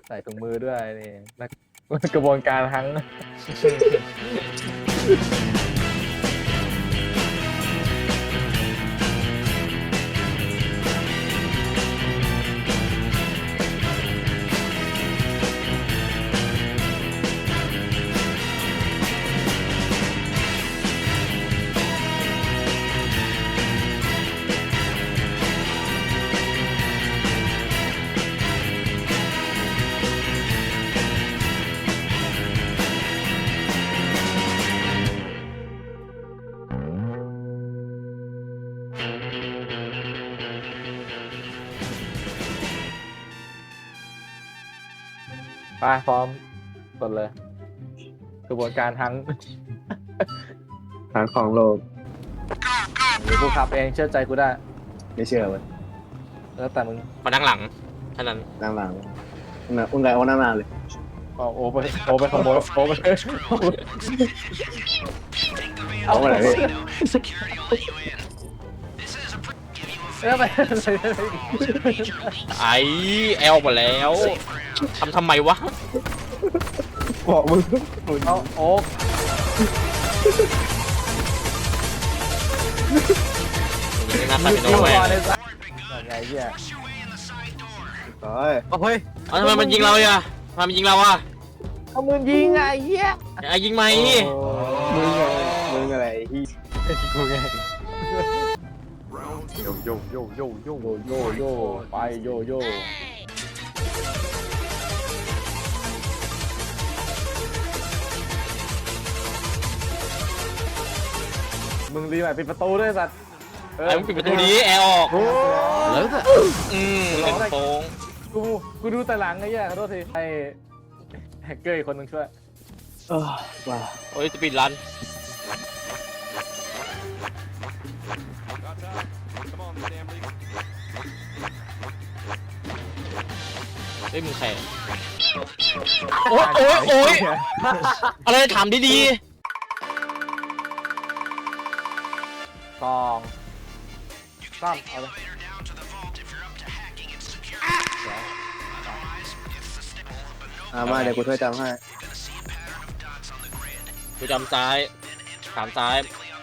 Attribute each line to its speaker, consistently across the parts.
Speaker 1: ใส่ถุงมือด้วยนี่นักกระบวนการทั้งไปพร้อมกดเลย กระบวนการทั้ง
Speaker 2: หาของโลก
Speaker 1: หรือกูขับเองเชื่อใจกูได้
Speaker 2: ไม่เชื่อเว้ย
Speaker 1: แล้วแต่มึง
Speaker 3: มานั่งหลังเท่านั้น
Speaker 2: นั่งหลังอุ้งไงโอ้นั่งนานเลย
Speaker 1: เอาโอไปขโมยโอไป
Speaker 2: เอาไปไหนพี่
Speaker 1: แล้วไป
Speaker 3: ไอแอลหมดแล้วทำไมวะ
Speaker 2: บอกมึง
Speaker 1: เอาโอ๊ก
Speaker 3: ยิงหน้าตาเป็นโน
Speaker 1: ยิง
Speaker 3: แว
Speaker 1: ก่อน
Speaker 3: ร์
Speaker 1: เลยสัสไงเหี้ย
Speaker 2: โอ้ย
Speaker 1: เฮ้ย
Speaker 3: ทำไมมันยิงเราอ่ะทำไมมันยิงเราอ่ะ
Speaker 1: เอามือยิงไงเหี้ย
Speaker 3: ไอยิงไหม
Speaker 2: มึงอะไรที่
Speaker 1: กูไง
Speaker 2: โยโยโยโยโย
Speaker 1: โยโย่ไปโยโย่มึงรีบไปปิดประตูด้วยสัตว์
Speaker 3: ไอ้มึงปิดประตูนี้แอร์ออก
Speaker 1: แล้ว
Speaker 3: เป็นโป้ง
Speaker 1: กูดูแต่หลังไอ้เหี้ยขอโทษทีไอ้แฮกเกอร์อีกคนนึงช่วย
Speaker 2: ว้า
Speaker 3: โอ้ยสปีดรันเฮ้ยมึงแข่โอ๊ยโอ๊ยโอ๊ยอะไรถามดี
Speaker 1: สองสามเอาเลย
Speaker 2: มาเดี๋ยวกูช่วยจำให้
Speaker 3: ๆกูจำซ้ายถามซ้าย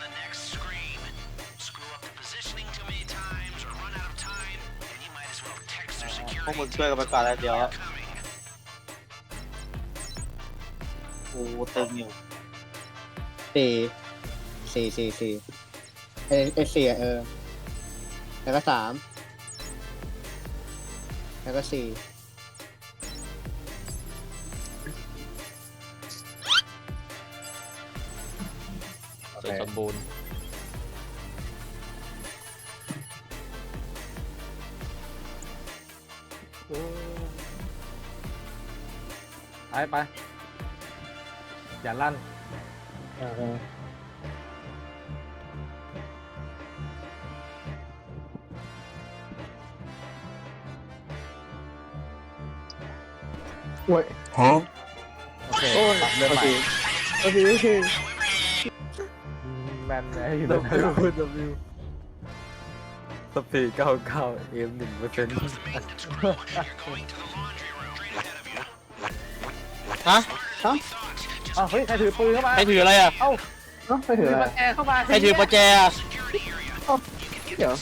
Speaker 4: พวกมึงช่วยกันไปก่อนแล้วเดี๋ยวโอ้เต็มอยู่
Speaker 2: สี่สี่แล้วก็สามแล้วก็สี่
Speaker 3: เสร็จสมบูรณ์
Speaker 1: ไปอย่าลั่นโอ้ยโอเคปรับเรื่องใหม่แมนไอ้อยู่ตรงนั้น
Speaker 5: สปีด99 เอ็ม1%
Speaker 3: ฮะ
Speaker 1: อ้าวเฮ้ยใครถือปืนเข้ามา
Speaker 3: ใครถืออะไรอ่ะ
Speaker 1: เอ้า
Speaker 2: ไม่ถือ
Speaker 1: ถือ
Speaker 2: อะไร
Speaker 1: ประแจเข้ามา
Speaker 3: ใครถือประแจอะ
Speaker 2: เดี๋ยว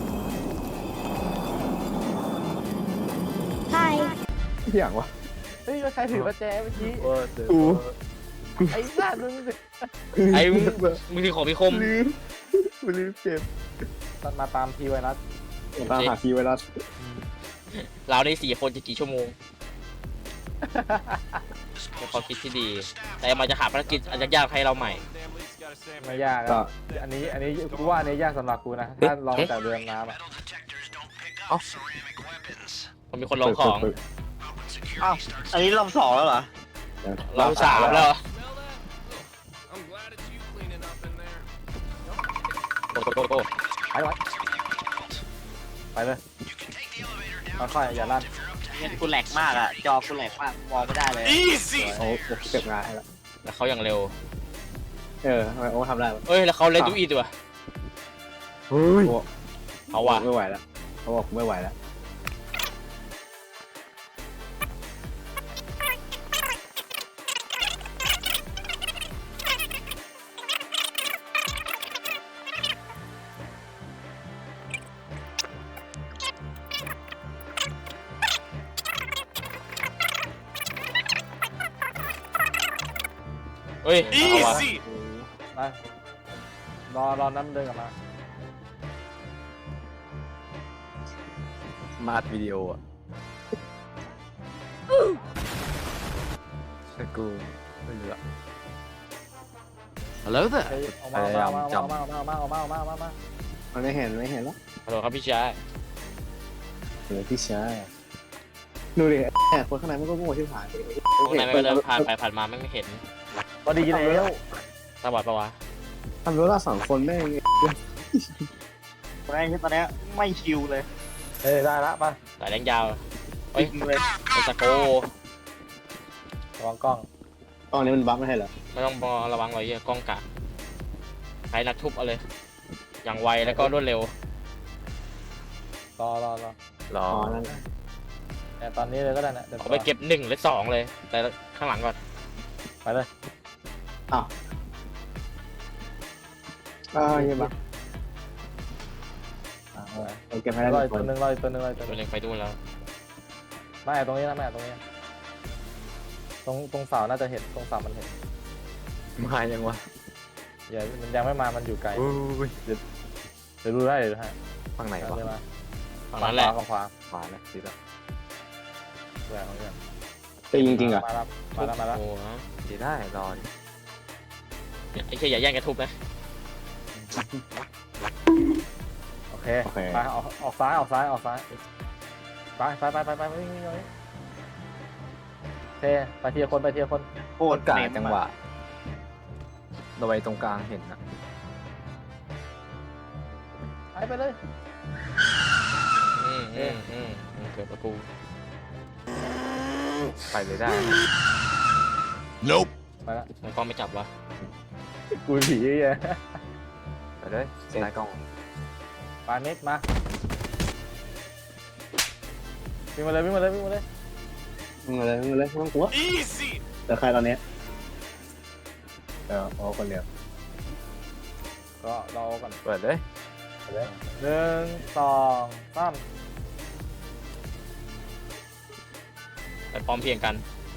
Speaker 2: อย่างวะ
Speaker 1: เฮ้ยใครถือประแจเมื่อกี้
Speaker 2: กู
Speaker 1: ไอ้สัตว์มึง
Speaker 3: ไอ้มึงถือของมีคม
Speaker 2: ลืมเก็บ
Speaker 1: ตัดมาตามทีไวรัส
Speaker 2: ตามหาคีย์ไวรัส
Speaker 3: เราใน4 คนจะกี่ชั่วโมงเป็นความคิดที่ดี แต่มันจะหาภารกิจอาจจะยากให้เราใหม่
Speaker 1: ไม่ยาก
Speaker 2: ก็
Speaker 1: อะอันนี้กูว่าอันนี้ยากสำหรับกูนะถ้าลองจากเรือน้ำอะ
Speaker 3: มันมีคนลองของ
Speaker 4: อ้าวอันนี้รอบ2แล้วเหรอ
Speaker 3: เรา3แล้วโอ้โห
Speaker 1: ไปเลยค่อยๆอย่าลั่น
Speaker 4: เนี่ยกูแหลกมากอ่ะจอกูแหลกมากมองไม่ได้เลย
Speaker 2: โอ้เก็บงานให้แล้ว
Speaker 3: แล้วเขาอย่างเร็ว
Speaker 2: ทำไมโอ้ทำได้
Speaker 3: เอ้ยแล้วเขาเล่นดูอีตัว
Speaker 2: เฮ้ย
Speaker 3: เขาว่ะ
Speaker 2: ไม่ไหวแล้วเขาบอกไม่ไหวแล้ว
Speaker 3: ฮ้ยเอาวะ
Speaker 1: ไปรอน้ำเดินกลับมา
Speaker 5: มาดวิดีโออ่ะแต่กูไม่รู้อะ
Speaker 3: Hello there
Speaker 1: เฮ้ยออกมาออกมาออกมาออกมาออกมาออกมาออกมาออกมา
Speaker 2: มันไม่เห็นแล้ว
Speaker 3: ฮัลโหลครับพี่ชาย
Speaker 2: เดี๋ยวพี่ชายดูดิแอบคนข้างในมันก็โง่ที่ผ่าน
Speaker 3: พวกนายไม่ก็เดินผ่านไปผ่านมาไม่เห็น
Speaker 1: พอดีแล้ว
Speaker 3: ตาบอดปะวะ
Speaker 2: ทำรู้ละ2 คนแม่ง
Speaker 4: ตอนนี้ไม่คิวเลย
Speaker 1: เฮ้ยได้ละไป
Speaker 3: สายแดงยาวเฮ้ย
Speaker 4: ยิงเลย
Speaker 3: เป็นสโก
Speaker 1: ระวังกล้อง
Speaker 2: ตอนนี้มันบั๊กไม่ใช่เหรอ
Speaker 3: ไม่ต้องระวังเลยกล้องกะใช้นักทุบเอาเลย อย่างไวแล้วก็รวดเร็ว
Speaker 1: รอ
Speaker 5: รอ
Speaker 2: อ๋อนั่น
Speaker 1: แต่ตอนนี้เลยก็ได้นะเดี๋ยว
Speaker 3: เอาไปเก็บ1หรือ2เลย แต่ข้างหลังก่อน
Speaker 1: ไปเลย
Speaker 2: ยังบั๊กโอเคไม่ได้
Speaker 1: รอ
Speaker 2: ทุ
Speaker 1: อี
Speaker 2: ก
Speaker 1: ก
Speaker 2: ค
Speaker 1: ตัวน หนึ่งรออีกตัวหนึ่งรออีกตัวห
Speaker 3: ตัว
Speaker 1: นึ่ง
Speaker 3: เล็งไปดูนแล้ว
Speaker 1: ไม่ตรงนี้นะไม่ตรงนี้ตรงเสาน่าจะเห็นตรงเสามันเห็น
Speaker 5: มายังวะ
Speaker 1: อย่ามันยังไม่มามันอยู่ไกล
Speaker 5: อุ้ย
Speaker 1: เดี๋ยวดูได้เดี๋ยวดูให้
Speaker 5: ฝั่งไหนวะ
Speaker 1: เดี๋ยวมา
Speaker 3: ฝั่งนั้นแหละ
Speaker 1: ฝั่งขวา
Speaker 5: ขวาแล้วสิละ
Speaker 1: แหวนของเพื่อน
Speaker 2: แต่จริงๆอ่ะ
Speaker 1: มาแล้วมาแล้ว
Speaker 3: โอ้โห
Speaker 5: ดีได้รอดิ
Speaker 3: ไอ้เชี่ยอย่าแย่งกันทุบนะ
Speaker 1: โอเคไปออกซ้ายไปวิ่งเลยโอเคไปทีละคน
Speaker 4: โค
Speaker 5: โค
Speaker 4: ต
Speaker 5: ต
Speaker 4: ร
Speaker 5: รกะ
Speaker 4: เนม
Speaker 5: จังหวะเราไว้ตรงกลางเห็นนะ
Speaker 1: ไปเลย
Speaker 3: เกือบประกู
Speaker 5: ไปเลยได้
Speaker 1: ไปละ
Speaker 3: มันกล้องไม่จับวะ
Speaker 1: กูผีไง
Speaker 5: ไปเลยนายกล้อง
Speaker 1: ไปมิกมาวิ่งมาเลย
Speaker 2: มึงเลยไม่ต้องกลัวแต่ใครตอนนี้อ๋อคนเดียว
Speaker 1: ก็รอก่อน
Speaker 5: เปิดเลย
Speaker 1: 1 2 3
Speaker 3: ไปพร้อมเพรียงกัน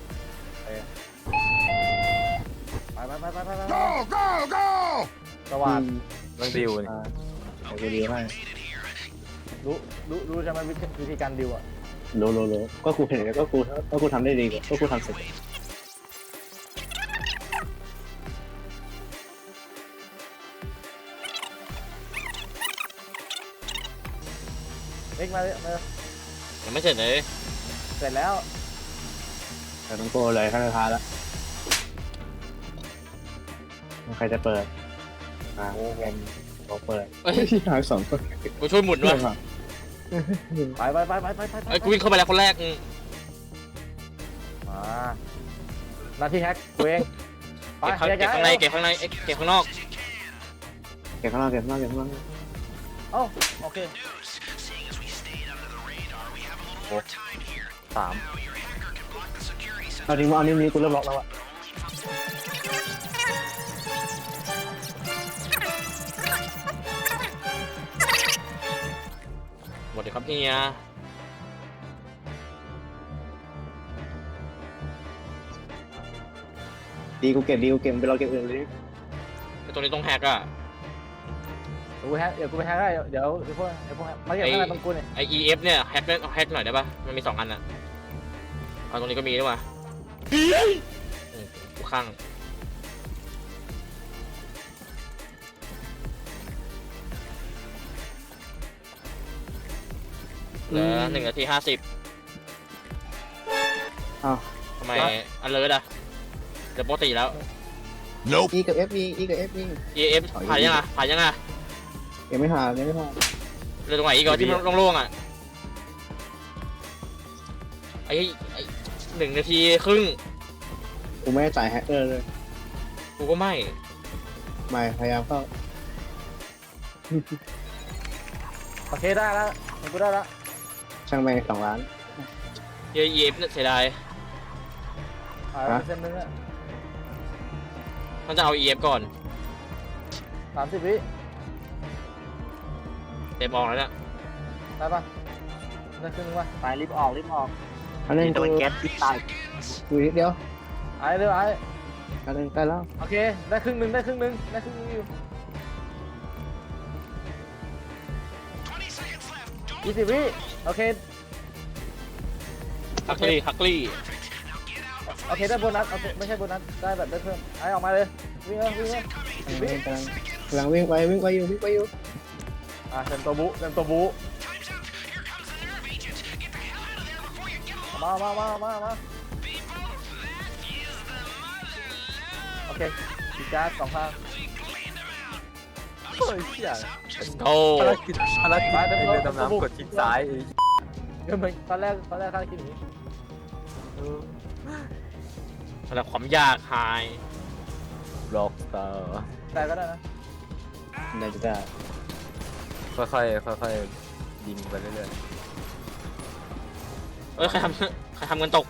Speaker 1: ไปสวัสดี
Speaker 5: ต้องดิวนี่
Speaker 2: แต่กูดีให้
Speaker 1: รู้ใช่ไหมวิธีการดิวอ่ะ
Speaker 2: โลก็กูเห็นก็กูทำได้ดีกว่าก็กูทำเสร็จ
Speaker 1: มิกมาเลย
Speaker 3: ยังไม่เสร็จเลย
Speaker 1: เสร็จแล้ว
Speaker 2: แต่ต้องโกเลยขั้นสุดท้ายแล้วใครจะเปิดโอ้ผมเปิดที่หาย2 คน
Speaker 3: กูช่วยหมุนด้วย
Speaker 1: ไป
Speaker 3: ไอ้กูวิ่งเข้าไปแล้วคนแรก
Speaker 1: มาหน้าที่แฮกกูเองไป
Speaker 3: เก็บข้างในเก็บข้างในเก็บข้างนอก
Speaker 2: เก็บข้างล่าง
Speaker 1: โอ้โอเค
Speaker 5: 3
Speaker 2: เอาจริงว่าอันนี้กูเริ่มล็อกแล้วอะ
Speaker 3: หมดเลยครับเฮีย
Speaker 2: ดีกูเก็บไปรอเก็บอื่นเลย
Speaker 3: ไอ้ตัวนี้ต้องแฮกอ่ะ
Speaker 1: เดี๋ยวกูไปแฮกได้เดี๋ยวพวกมาเก็บข้างในตรงกูเนี่ย
Speaker 3: ไอ EF เนี่ยแฮกหน่อยได้ปะมันมี2 อันอ่ะเอาตรงนี้ก็มีด้วยว่ะกูข้างเหลือ1 นาที 50
Speaker 2: อ้าว
Speaker 3: ทำไมอันเลิศอ่ะเดี๋ยวปกติแล้ว
Speaker 2: E กับ F E กับ F
Speaker 3: EF ผ่านยังอ่ะ
Speaker 2: ยังไม่ผ่าน
Speaker 3: เหลือตรงไหนอีกอ่ะที่มันโล่งๆอ่ะไอ้1 นาทีครึ่ง
Speaker 2: กูไม่ได้จ่ายแฮกเกอร์เลย
Speaker 3: กูก็ไม่
Speaker 2: ไม่พยายามเข้า
Speaker 1: โอเคได้แล้วกูได้แล้ว
Speaker 2: ช่างแม่ง2 ล้าน
Speaker 3: EF เนี่ยเสียดาย
Speaker 1: เส้นนึงอ่ะ
Speaker 3: ต้องจะเอา EF ก่อน
Speaker 1: 30 วิ
Speaker 3: เต็มออกแล้วเนี่ย
Speaker 1: ได้ปะได้ครึ่งนึงปะ
Speaker 4: ไปรีบออก
Speaker 2: อันนี้
Speaker 4: โดนแก๊สที่ตาย
Speaker 2: กูนิดเดียว
Speaker 1: ไอ้เร็วไอ้
Speaker 2: ใกล้แล้ว
Speaker 1: โอเคได้ครึ่งหนึ่งอยู่20 วิโอเค
Speaker 3: ฮักลี่
Speaker 1: โอเคได้โบนัสโอเคไม่ใช่โบนัสได้แบบได้เพิ่มไอ้ออกมาเลยวิ่งเลย10 วิ
Speaker 2: กำลังวิ่งไปอยู่
Speaker 1: เต็มตัวบูมาโอเคดีจ้า2 ข้างเฮ้ยเชี่ย
Speaker 3: โอ้
Speaker 5: ภารกิจไอ้เรือดำน้ำกดคลิกซ้ายไอ้
Speaker 1: เดี๋ยวมันตอนแรกข้าคิดอย่างนี้
Speaker 3: ระดับความยากไฮ
Speaker 5: บล็อกสตาร์
Speaker 1: แต่ก็ได้นะ
Speaker 2: ได้จะได้
Speaker 5: ค่อยๆยิงไปเรื่อย
Speaker 3: เอ้ยใครทำเงินตก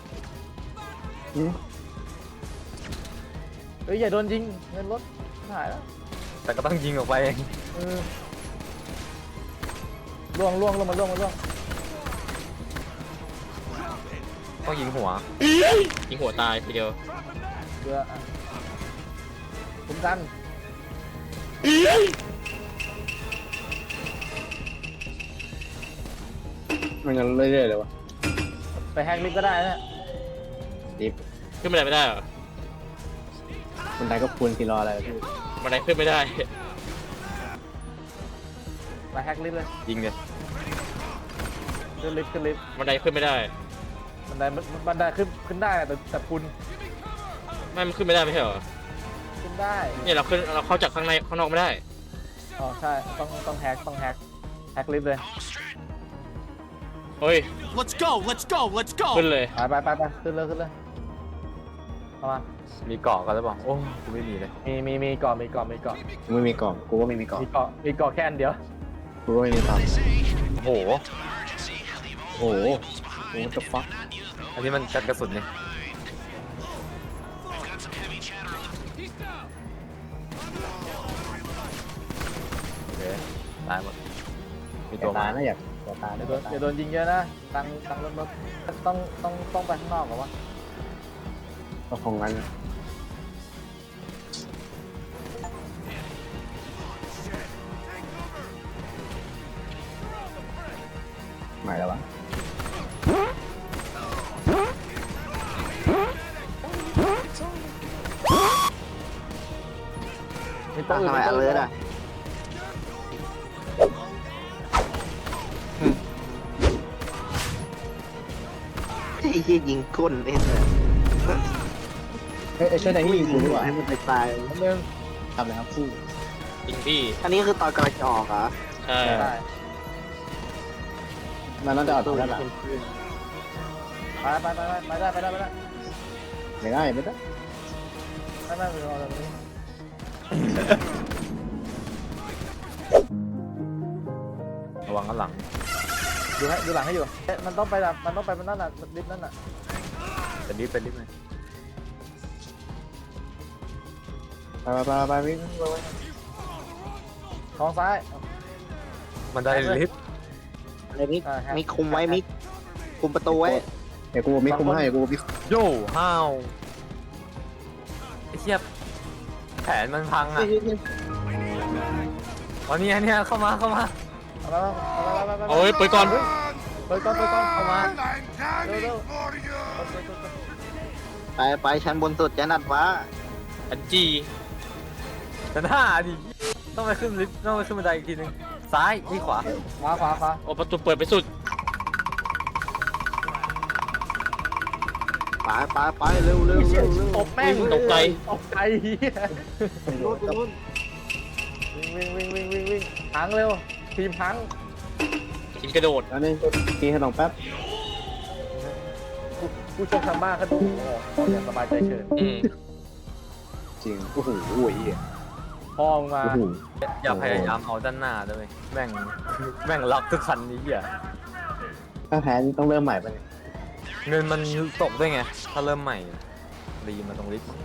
Speaker 1: เฮ้ยอย่าโดนยิงเงินรถหายแล้ว
Speaker 5: ๆแต่ก็ต้องยิงออกไปเอง
Speaker 1: ล่วงมาล่วง
Speaker 5: ต้องยิงหัว
Speaker 3: ยิงหัวตายทีเดียว
Speaker 1: เรือคุ้มกัน
Speaker 2: มันยังเรื่อยๆเลยวะ
Speaker 1: ไปแฮกลิฟต์ก็ได้นะ
Speaker 2: ดิฟ
Speaker 3: ขึ้นไม่ได้เหรอ
Speaker 2: คนไทยก็คูณกี่รออะไรพี่
Speaker 3: บันไดขึ้นไม่ได้
Speaker 1: ไปแฮกลิฟต์เลย
Speaker 5: ยิงเลย
Speaker 1: ขึ้นลิฟต์
Speaker 3: บันไดขึ้นไม่ได้
Speaker 1: บันไดขึ้นได้แต่คุณ
Speaker 3: ไม่มันขึ้นไม่ได้ไม่ใช่เหรอ
Speaker 1: ขึ้นได้
Speaker 3: เนี่ยเราเข้าจากข้างในข้างนอกไม่ได้
Speaker 1: อ๋อใช่ต้องแฮกลิฟต์เลย
Speaker 3: เฮ้ย
Speaker 6: Let's go! Let's go! Let's go!
Speaker 3: ขึ้นเลย
Speaker 1: ไปขึ้นเลยเข้ามา
Speaker 5: มีเกาะกันหรือเปล่าโอ้กูไม่มีเลย
Speaker 1: มีเกาะ
Speaker 2: ไม่มีกล่องกูก็ไม่มีกล่อง
Speaker 1: มีเกาะแค่อันเดียว
Speaker 2: กูก็ไม่มีตังค์
Speaker 5: โอ้โห
Speaker 2: โอ้โหจะฟัก
Speaker 5: อันนี้มันกันกระสุนเนี่ยโอเคตายหมดมีตัว
Speaker 2: ตา
Speaker 5: มา
Speaker 2: นะอยากตา
Speaker 1: อย่าโดนยิงเยอะนะตังรถต้องไปข้างนอกก่อนวะ
Speaker 2: ก็คงงั้นหมายแล้ววะ
Speaker 1: มีตัวอื่น
Speaker 2: ทำไมอเลิร์อ่ะ
Speaker 7: ไอ้ที่ยิงก้นเล่นเลย
Speaker 2: เฮ้ยช่วยนายที่ยิงกูดีกว่า
Speaker 7: ให้มันตาย
Speaker 1: อันหนึง
Speaker 2: ทำเลยครับคู่
Speaker 3: จริงพี่
Speaker 7: อันนี้คือตอนกำลังจะออกเหรอ
Speaker 3: ใช่
Speaker 1: ได้
Speaker 2: มันน่าจะออกตรงด้านหลัง
Speaker 1: ไปได้
Speaker 2: ไม่ได้
Speaker 1: ไม่รอตรงนี้
Speaker 5: ระวังข้างหลัง
Speaker 1: ดูหลังให้อยู่มันต้องไปมันนั่นน่ะลิฟต์นั่นน่ะ
Speaker 5: เป็นลิฟต์เลย
Speaker 2: ไปวิ่ง
Speaker 1: ท้องซ้าย
Speaker 5: มันได้ลิฟต์
Speaker 7: อะไรมิกมิกคุมไว้มิกคุมประตูไว้
Speaker 2: เดี๋ยวกูมีคุมให้กูมี
Speaker 5: โย่ห้าวไอ้เชี่ยแผนมันพังอ่ะวันนี้เนี่ยเข้ามา
Speaker 1: เอาไป
Speaker 3: โอ้ยเปิดก่อน
Speaker 1: เปิดก่อนเข้ามา
Speaker 6: I'm
Speaker 1: No, no.
Speaker 6: coming for you!
Speaker 7: ไปชั้นบนสุดชั้นอัดฟ้า
Speaker 3: อันจี
Speaker 5: จะหน้าดิต้องไปขึ้นลิฟต์ต้องไปขึ้นบันไดอีกทีนึงซ้ายนี่ขวา
Speaker 1: ขวา
Speaker 3: โอ้ประตูเปิดไปสุด
Speaker 7: ไปเร็ว
Speaker 1: ตบแม่ง
Speaker 3: ตกใจ
Speaker 1: เหี้ย
Speaker 7: นู้น
Speaker 1: วิ่งพังเร็วทีมพัง
Speaker 3: ทีมกระโดด
Speaker 2: แล้วนี่กินขนมแป๊บ
Speaker 1: ผู้ชมทางบ้านเขาดูโอ้ยสบายใจเฉิน
Speaker 2: จริงโอ้โหเหี้ย
Speaker 1: พ่อมึงมา
Speaker 2: โอ้โห
Speaker 5: อย่าพยายามเอาด้านหน้าด้วยแม่งล็อกทุกคันนี้อ่ะ
Speaker 2: ถ้าแพ้นี่ต้องเริ่มใหม่ไปะเนี่ย
Speaker 5: เงินมันตกด้วยไงถ้าเริ่มใหม่รีมาตรงลิฟต์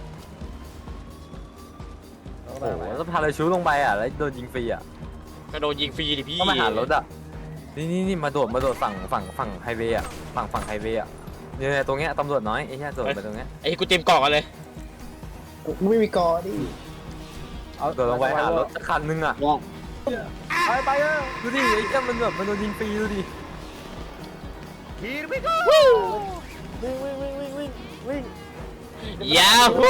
Speaker 5: โอ้โหแล้วพาเลยชูลงไปอ่ะแล้วโดนยิงฟรีอ่ะ
Speaker 3: กระโดดยิงฟรีดิพี่
Speaker 5: ก็มาหารถอ่ะนี่มาโดดฝั่งไฮเวย์อ่ะฝั่งไฮเวย์อ่ะเนี่ยตรงเนี้ยตำรวจน้อยไอ้เหี้ยโดดไปตรงเนี้ย
Speaker 3: ไอ้กูเต็มเกาะกันเลย
Speaker 2: กูไม่มีกอดิ
Speaker 1: เอา
Speaker 5: เดินลงไปหารถสักคันนึงอ่ะ
Speaker 1: ไปไปเออ
Speaker 5: ดูดิไอ้เจ้ามันแบบมันโดนยิงฟรีดูดิ
Speaker 6: Here we go.
Speaker 1: วิ่งวิ่งวิ่งวิ่งวิ่งวิ่ง
Speaker 3: ยาฮู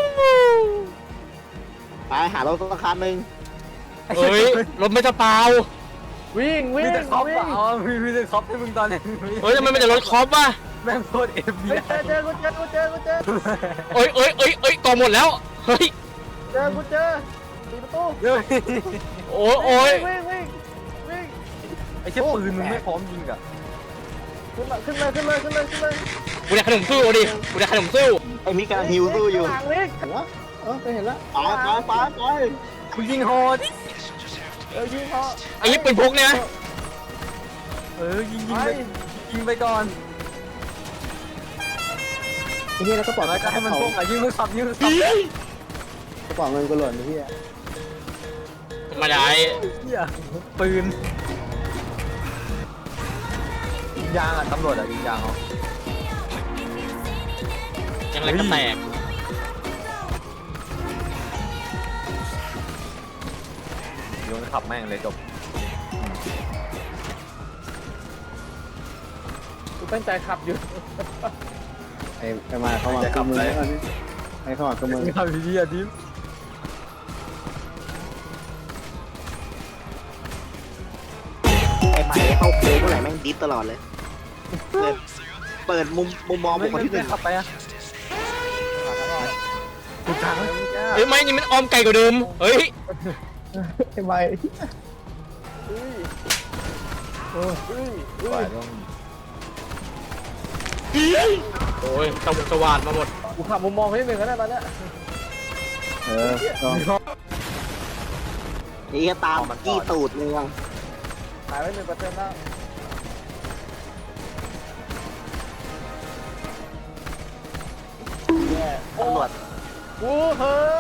Speaker 7: ไปหารถสักคันหนึ่ง
Speaker 3: เฮ้ยรถไม่จะเปล่า
Speaker 1: วิ่งวิ่
Speaker 5: มี
Speaker 1: ง
Speaker 5: แต่คอป
Speaker 1: วิ่ง
Speaker 5: อ่ะอ๋อมีแต่คอปให้มึงตอนนี้
Speaker 3: เฮ้ยทำไมมันจะรถคอปวะ
Speaker 5: แม่งโคตรเอฟบี
Speaker 1: เฮ้ยเจอกูเจอกูเจอกูเจอ
Speaker 3: เอ้ยเอ้ยเอ้ยเอ้ยกองหมดแล้วเฮ้ย
Speaker 1: เจอกูเจอปิดประตู
Speaker 5: เฮ้ย
Speaker 3: โอ้ยโอ้ย
Speaker 1: วิ่งวิ่งวิ่ง
Speaker 5: ไอ้เชี่ยปืนมึงไม่พร้อมยิงอ่ะ
Speaker 1: ขึ้นมาขึ้นเลยขึ้นเลยขึ้นเลยขึ้นเลย
Speaker 3: กูได้ขนมสู้เอาดิกูได้ขนมสู้
Speaker 7: ไอ้มิกกำลังฮิวสู้อยู่
Speaker 1: ข้างหลังวิ่ง
Speaker 2: เห็นแล้วไปเห็นแล้ว
Speaker 7: ไป
Speaker 5: มึงยิงฮอดิ
Speaker 1: ยิงเขา
Speaker 3: ไอ้ยี่ปืนพกเนี่ยนะ
Speaker 5: ยิง
Speaker 1: ไป
Speaker 5: ยิงไปก่อน
Speaker 2: ไอ้เหี้ยแล้วก็ปล่อย
Speaker 5: แล้วก็ให้มัน
Speaker 2: เขา
Speaker 5: พวกอ่ะยิงมือขับยิงมือขับ
Speaker 2: กระเป๋าเงินกูหล่นไอ้เหี้ย
Speaker 3: ธรรมดา
Speaker 5: เหี้ยปืนยิงยางอ่ะตำรวจอ่ะยิงยางเหรอ
Speaker 3: ยังไงก็แตก
Speaker 5: โยนขับแม่งเลยจบ
Speaker 1: กูตั้งใจขับอยู่
Speaker 2: ไอ้มาเข้ามากับมือแล้วนี่ไอ้เข้ามากับมือ
Speaker 5: ขับดีอ่ะดิม
Speaker 7: ไอ้ใหม่เข้าโค้งเมื่อไหร่แม่งดิฟตลอดเลย เปิดมุมมองบุคคลที่หนึ่ง
Speaker 5: ขับไปอ่ะกูกลาง
Speaker 3: เฮ้ยไม่นี่มันออมไก่กว่าเดิมเฮ้ย
Speaker 2: ไอ้ใบ
Speaker 1: ไปต้อง
Speaker 3: โอ้ยสว่านมาหมด
Speaker 1: กูขับมุมมองให้หนึ่งก็ได้ตอนเนี้ย
Speaker 2: ลอง
Speaker 7: นี่ก็ตามจี้ตูดมึง
Speaker 1: หายไป1%แล้ว
Speaker 7: ตำรวจ
Speaker 1: กูเฮ้อ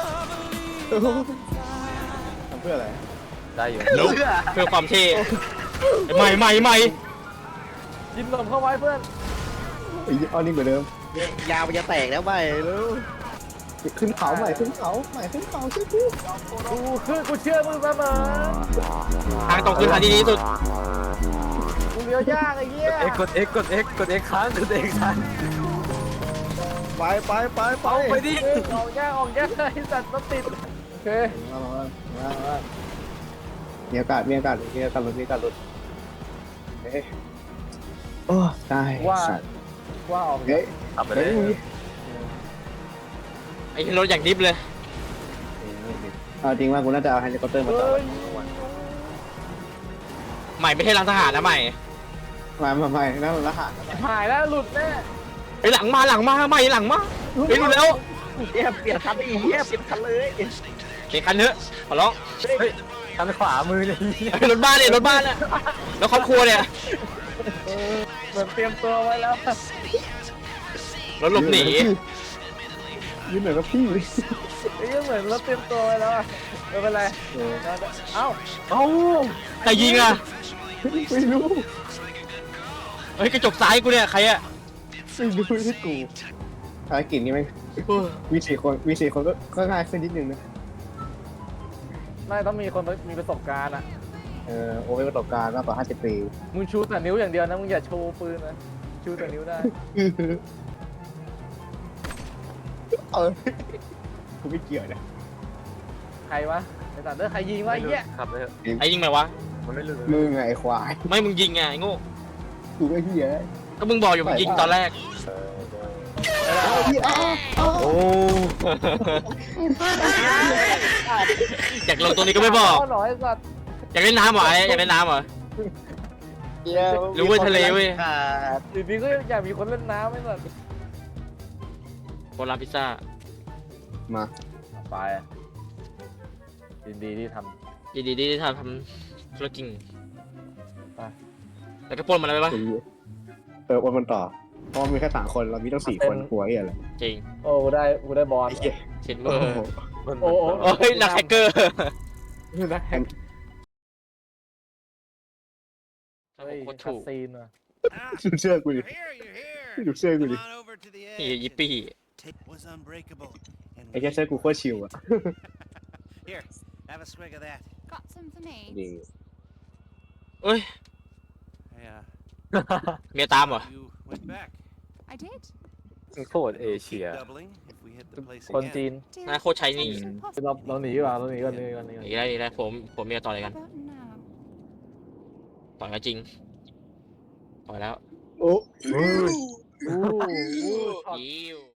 Speaker 2: ทำเพื่ออะไร
Speaker 5: ได้อยู่
Speaker 3: เพื่อความเท่ใหม่ใหม่ใหม่
Speaker 1: ยินลมเข้าไว้เพื่อน
Speaker 2: ไอ้อ้อนี่เหมือนเดิม
Speaker 7: ยาวมันจะแตกแล้วไปแล้ว
Speaker 2: ขึ้นเขาใหม่ขึ้นเขาใหม่ขึ้นเขาใช่กู
Speaker 1: กูเชื่อมึงเสมอ
Speaker 3: ทางตรงคือทางที่ดีที่สุด
Speaker 1: กูเลี้ยวยากไอ้เหี้ย
Speaker 5: กด X ค้างกด X ค้าง
Speaker 2: ไป
Speaker 5: เอาไปดิ
Speaker 1: ออกยากไอ้สัตว์รถติดโอเค
Speaker 2: มามีอากาศรถเฮ้ยโอ้ตาย
Speaker 1: ว่าออก
Speaker 2: เฮ้ย
Speaker 5: ขับไปเลย
Speaker 3: ไอ้รถอย่างดิฟเลย
Speaker 2: เอาจริงว่ากูน่าจะเอาเฮลิคอปเตอร์มาต่อ
Speaker 3: ใหม่ไม่ใช่ร้านทหารนะใหม่
Speaker 2: มานั่นรหัส
Speaker 1: หายแล้วหลุดแน่
Speaker 3: ไอ้หลังมาใหม่หลังมาเฮ้ยรู้แล้ว
Speaker 7: เปลี่ยนคันอีกเปลี่ยนคันเลย
Speaker 3: เขียนคันเถอะขอร้อง
Speaker 5: เฮ้ยคันขวามือเลย
Speaker 3: รถบ้านเนี่ยรถบ้านเนี่ยแล้วครอบครัวเนี่ย
Speaker 1: เหมือนเตรียมตัวไว้แล้ว
Speaker 3: รถหลบหนี
Speaker 2: ยืนเหมือนกับพี่
Speaker 1: ไอ้เหมือนรถเตรียมตัวไว้แล้วไม่เป็นไรเอ้า
Speaker 3: ใครยิงอ่ะ
Speaker 2: ไม่รู้
Speaker 3: เฮ้ยกระจกซ้ายกูเนี่ยใครอ่ะ
Speaker 2: ที่กูภารกิจนี้ไหมมี4 คนก็ง่ายขึ้นนิดนึงนะ
Speaker 1: ไม่ต้องมีคนมีประสบการณ์อ่ะ
Speaker 2: โอ้ยประสบการณ์มากกว่า50 ปี
Speaker 1: มึงชูแต่นิ้วอย่างเดียวนะมึงอย่าโชว์ปืนนะชูแต่นิ้วได้
Speaker 2: กูไม่เกี่ยวนะ
Speaker 1: ใครวะไอ้สัตว์ใครยิงวะไอ้เหี้ย
Speaker 5: ขับเลย
Speaker 3: ไอ้ยิงไหมวะ
Speaker 5: มันไม่รู้
Speaker 2: มึงไงควาย
Speaker 3: ไม่มึงยิงไงไอ้โง่
Speaker 2: กูไม่เหี้ย
Speaker 3: ก็มึงบอกอยู่มึงยิงตอนแรก
Speaker 5: โอ้
Speaker 3: อยากลงตรงนี้ก็ไม่บอก
Speaker 1: หน่อยไอ้สัตว์
Speaker 3: อยากเล่นน้ำเหรอไอ้อยากเล่นน้ำเหรอ รู้เว้ยทะเลเว้ย
Speaker 1: อยู่ดีก็อยากมีคนเล่นน้ำไอ้สัตว์
Speaker 3: โบราณพิซซ่า
Speaker 2: มา
Speaker 1: ไปยินดีที่ท
Speaker 3: ยินดีที่ทำธุรกิจแล้วก็ปล้นมันอะไรไปปะ
Speaker 2: วันมันต่อเพราะมีแค่3 คนเรามีต้อง4 คนหัวอะไร
Speaker 3: จริง
Speaker 1: ำโอ้กูได้บอล
Speaker 3: เช็ดเบอร์
Speaker 1: โอ้
Speaker 3: โอ้ยนักแฮกเกอร์
Speaker 1: นักแฮก
Speaker 3: โอ้
Speaker 1: เฮ้ย
Speaker 3: โห
Speaker 1: คั
Speaker 3: ถู
Speaker 1: ด
Speaker 3: ก
Speaker 1: ซีนว่ะ
Speaker 2: ดูเชื่อกูดิ
Speaker 6: You're here. You're here.
Speaker 2: ดูเชื่อกูดิ
Speaker 6: Come on over to the
Speaker 3: นี่
Speaker 6: edge.
Speaker 3: ยิปปี้
Speaker 6: Tape was unbreakable, and
Speaker 2: ไอ้แค่เสื้อกูโคตรชิลอะ
Speaker 6: Here, have a swig of that.
Speaker 8: Got some for me.
Speaker 2: ดี
Speaker 3: เอ้ย
Speaker 6: Hey,
Speaker 3: เมียตามเหรอ
Speaker 6: you went back.
Speaker 8: I did.
Speaker 1: โคตรเอเชีย
Speaker 6: Keep doubling if we hit the place
Speaker 1: คน
Speaker 6: again.
Speaker 1: จีน
Speaker 8: Dear,
Speaker 3: น่าโคตรใช้นี่
Speaker 8: it's impossible.
Speaker 1: เราหนีดีกว่าเราหนีก่อนหนีก่อนหนีก่อน
Speaker 3: อีกแล้วผมเมียต่อย
Speaker 8: How
Speaker 3: กัน
Speaker 8: about now?
Speaker 3: ต่อยกันจริงต่อยแล้ว
Speaker 2: โอ้
Speaker 1: อู้ช็อต
Speaker 3: ยิว